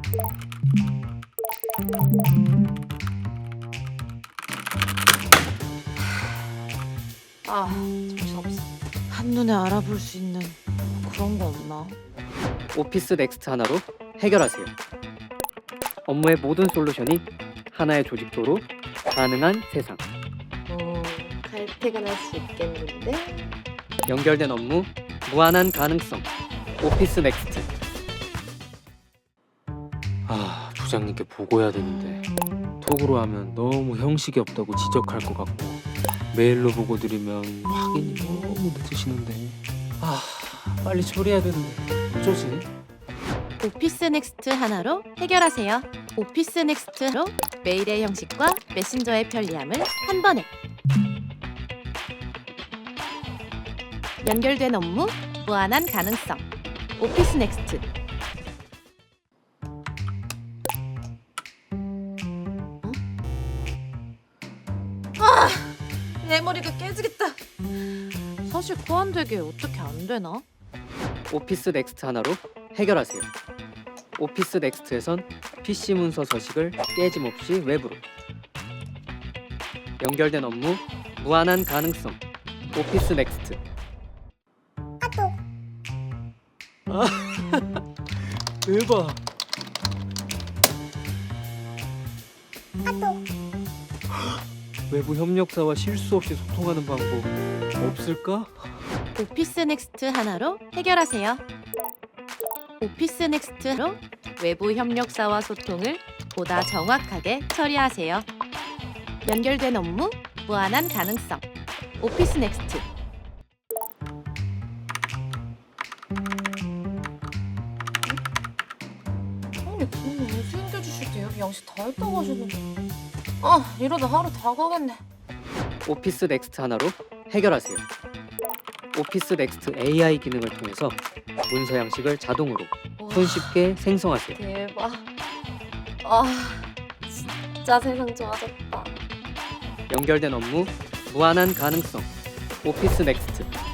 아, 정신없어. 한눈에 알아볼 수 있는 그런 거 없나? 오피스 넥스트 하나로 해결하세요. 업무의 모든 솔루션이 하나의 조직도로 가능한 세상. 칼퇴근할 수 있겠는데? 연결된 업무, 무한한 가능성. 오피스 넥스트. 아, 부장님께 보고해야 되는데 톡으로 하면 너무 형식이 없다고 지적할 것 같고 메일로 보고 드리면 확인이 너무 늦으시는데 아, 빨리 처리해야 되는데 어쩌지? 오피스 넥스트 하나로 해결하세요. 오피스 넥스트로 메일의 형식과 메신저의 편리함을 한 번에. 연결된 업무, 무한한 가능성. 오피스 넥스트. 내 머리가 깨지겠다. 사실 코안 되게 어떻게 안 되나? 오피스 넥스트 하나로 해결하세요. 오피스 넥스트에선 PC 문서 서식을 깨짐없이 외부로. 연결된 업무, 무한한 가능성. 오피스 넥스트. 대박. 외부 협력사와 실수 없이 소통하는 방법 없을까? 오피스 넥스트 하나로 해결하세요. 오피스 넥스트로 외부 협력사와 소통을 보다 정확하게 처리하세요. 연결된 업무, 무한한 가능성. 오피스 넥스트. 형님 돈을 왜 챙겨주실 때 여기 양식 다 했다고 하셨는데. 아, 이러다 하루 다 가겠네. 오피스 넥스트 하나로 해결하세요. 오피스 넥스트 AI 기능을 통해서 문서 양식을 자동으로 와, 손쉽게 생성하세요. 대박. 아, 진짜 세상 좋아졌다. 연결된 업무, 무한한 가능성. 오피스 넥스트.